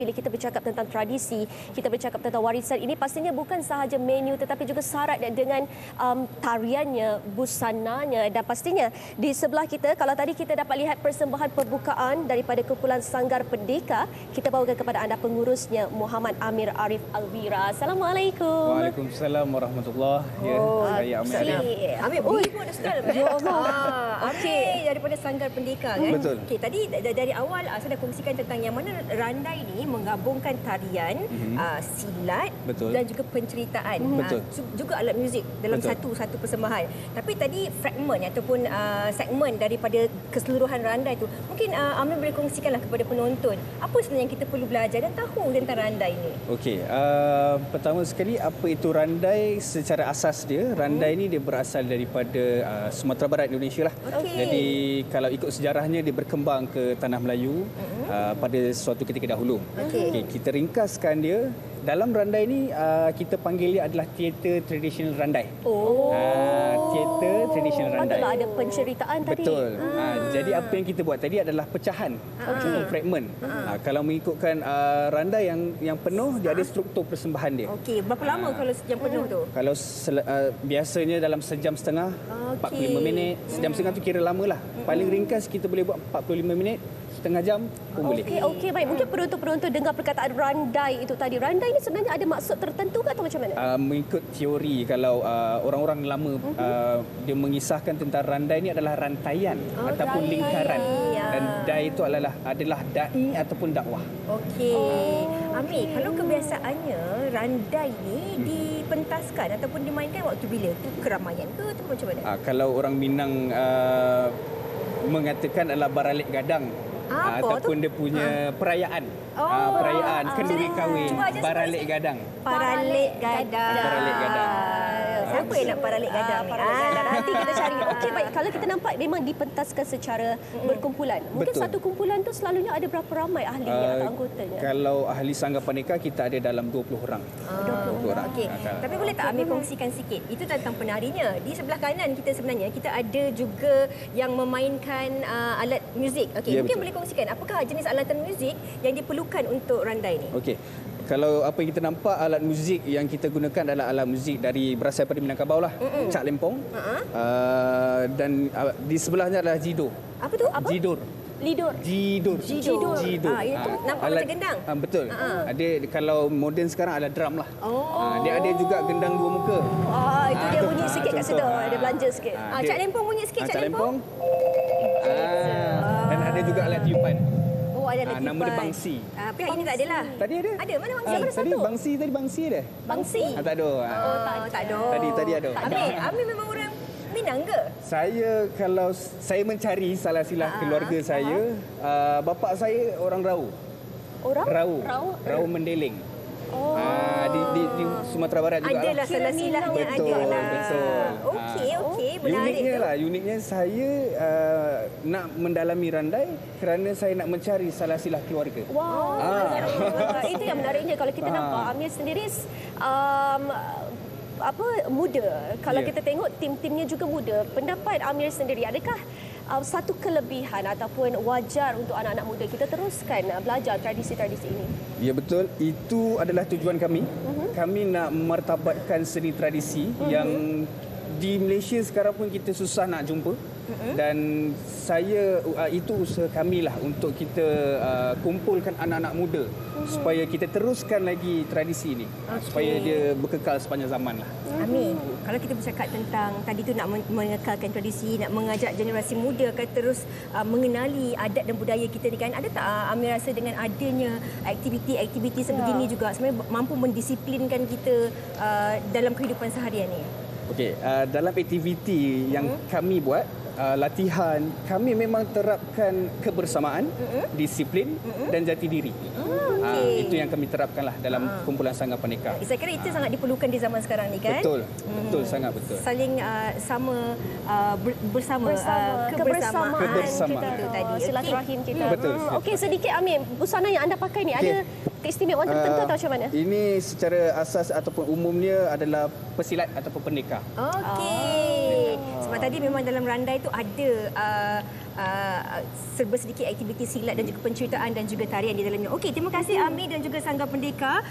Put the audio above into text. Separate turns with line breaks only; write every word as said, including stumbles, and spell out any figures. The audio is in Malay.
Bila kita bercakap tentang tradisi, kita bercakap tentang warisan ini pastinya bukan sahaja menu tetapi juga syarat dengan um, tariannya, busananya dan pastinya di sebelah kita kalau tadi kita dapat lihat persembahan pembukaan daripada kumpulan Sanggar Pendeka, kita bawakan kepada anda pengurusnya Muhammad Amir Arif Alvira. Assalamualaikum.
Waalaikumsalam warahmatullahi wabarakatuh.
Oh,
Ya, saya Amir Arif.
Amir, Ui pun ada sekali. Ya Allah. Okey, daripada Sanggar Pendeka kan.
Betul.
Okey, tadi dari awal saya dah kongsikan tentang yang mana randai ni menggabungkan tarian, mm-hmm. uh, silat
Betul.
dan juga penceritaan.
Betul.
Uh, juga alat muzik dalam
Betul.
satu satu persembahan. Tapi tadi fragmen ataupun uh, segmen daripada keseluruhan randai tu, mungkin uh, Amir boleh kongsikanlah kepada penonton apa sebenarnya yang kita perlu belajar dan tahu tentang randai ni.
Okey, uh, pertama sekali apa itu randai secara asas dia? Randai ni dia berasal daripada uh, Sumatera Barat Indonesia lah.
Okey.
Jadi kalau ikut sejarahnya dia berkembang ke tanah Melayu uh-huh. uh, pada suatu ketika dahulu.
Okey.
Okey, kita ringkaskan dia. Dalam randai ni uh, kita panggil dia adalah teater tradisional randai.
Oh.
Uh, teater tradisional randai.
Patutlah ada penceritaan tadi.
Betul. Ah. Ha, jadi apa yang kita buat tadi adalah pecahan, okay. fragmen. Ha, kalau mengikutkan uh, randai yang yang penuh, dia ada struktur persembahan dia.
Okey, berapa lama ha. kalau yang penuh tu?
Kalau sel, uh, biasanya dalam sejam setengah,
okay.
empat puluh lima minit. Sejam setengah tu kira lama lah. Paling ringkas kita boleh buat empat puluh lima minit, setengah jam pun boleh.
Okey, okey, baik. Mungkin penonton-penonton dengar perkataan randai itu tadi. Randai ini sebenarnya ada maksud tertentu ke atau macam mana?
Uh, mengikut teori, kalau uh, orang-orang lama uh-huh. uh, dia mengisahkan tentang randai ini adalah rantaian oh, ataupun rantaian. lingkaran. Ya. Dan dai itu adalah adalah dai ataupun dakwah.
Okey. Oh. Amir, kalau kebiasaannya randai ni hmm. dipentaskan ataupun dimainkan waktu bila? Tu keramaian ke atau macam mana?
Uh, kalau orang Minang uh, mengatakan adalah baralik gadang.
Apa
ataupun
tu?
dia punya ha. perayaan.
Oh.
Uh, perayaan
Ah.
kenduri kahwin baralik gadang.
Paralik gadang.
Baralik gadang.
Siapa yang nak paralik gadang ni?
Ah, nanti kita cari. Okey, baik. Kalau kita nampak memang dipentaskan secara mm-hmm. berkumpulan. Mungkin
Betul.
satu kumpulan tu selalunya ada berapa ramai ahlinya uh, atau anggotanya?
Kalau ahli Sanggar Pendeka kita ada dalam dua puluh orang.
Ah, dua puluh orang. Okey. Tapi boleh tak Amir kongsikan sikit? Itu tentang penarinya. Di sebelah kanan kita sebenarnya kita ada juga yang memainkan uh, alat muzik. Okey, ya, mungkin betul. boleh kongsikan apakah jenis alatan muzik yang diperlukan untuk randai ni?
Okey. Kalau apa yang kita nampak, alat muzik yang kita gunakan adalah alat muzik dari berasal daripada Minangkabau lah. Mm-mm. Cak Lempong. Uh-huh. Uh, dan uh, di sebelahnya adalah Jidor.
Apa tu? Apa?
Jidor.
Lidor.
Jidor.
Jidor.
Jidor.
Ah, itu
ha.
nampak
alat,
macam gendang.
Ha, betul.
Uh-huh.
Ada kalau moden sekarang ada drum lah.
Oh.
Ha, dia ada juga gendang dua muka.
Ah, itu
ha,
dia bunyi ha, sikit kat situ.
Ha.
Ada belanja sikit.
Ha, ah, Cak Lempong bunyi sikit,
ha,
Cak Lempong.
Ha. Dan ada juga alat tiupan.
Oh, ada alat
ha, nama dia bangsi.
Ah, pihak ini tak adalah.
Tadi ada.
Ada, mana bangsi?
Ha,
Mana
tadi
satu?
bangsi, tadi bangsi ada.
Bangsi?
Ha, tak ada. Ha.
Oh, tak, tak ada.
Tadi tadi ada.
Amir, Amir memang orang Minang ke?
Saya kalau saya mencari salah silah
Ah,
keluarga saya, uh, bapa saya orang Rau.
Orang?
Rau.
Rau.
Rau Mendeleng.
Oh.
Uh, di, di, di Sumatera Barat juga.
Adalah salah silahnya ada
betul,
lah.
Betul.
Okey, okey, menarik
Uniknya
tu.
lah, uniknya saya uh, nak mendalami randai kerana saya nak mencari salah silah keluarga.
Wow. Ah. Itu yang menariknya kalau kita
Ah.
nampak Amir sendiri um, apa muda. Kalau yeah. kita tengok tim-timnya juga muda. Pendapat Amir sendiri, adakah uh, satu kelebihan ataupun wajar untuk anak-anak muda kita teruskan uh, belajar tradisi-tradisi ini?
Ya betul, itu adalah tujuan kami. Uh-huh. Kami nak memartabatkan seni tradisi uh-huh. yang di Malaysia sekarang pun kita susah nak jumpa. Uh-huh. Dan saya uh, itu usaha kami lah untuk kita uh, kumpulkan anak-anak muda uh-huh. supaya kita teruskan lagi tradisi ini, okay. supaya dia berkekal sepanjang zaman lah.
Amin. Kalau kita bercakap tentang tadi tu nak mengekalkan tradisi, nak mengajak generasi muda akan terus uh, mengenali adat dan budaya kita ni kan, ada tak uh, Amir rasa dengan adanya aktiviti-aktiviti sebegini yeah. juga sebenarnya mampu mendisiplinkan kita uh, dalam kehidupan seharian ni?
Okey, uh, dalam aktiviti yang hmm. kami buat, uh, latihan, kami memang terapkan kebersamaan, mm-hmm. disiplin mm-hmm. dan jati diri.
Oh, okay.
uh, itu yang kami terapkanlah dalam uh. kumpulan Sanggar Pendeka.
Saya kira itu uh. sangat diperlukan di zaman sekarang ni kan?
Betul, hmm. betul, sangat betul.
Saling uh, sama uh, ber, bersama,
bersama
uh,
kebersamaan,
kebersamaan
kita
itu tadi.
Silaturahim
Okay.
kita.
Hmm, betul.
Hmm. Okey, sedikit Amir, busana yang anda pakai ni okay. ada keistimewaan tertentu uh, atau macam mana?
Ini secara asas ataupun umumnya adalah pesilat ataupun pendekar.
Okey. Sebab tadi memang dalam randai itu ada uh, uh, serba sedikit aktiviti silat dan juga penceritaan dan juga tarian di dalamnya. Okey, terima kasih Ami dan juga Sanggar Pendeka.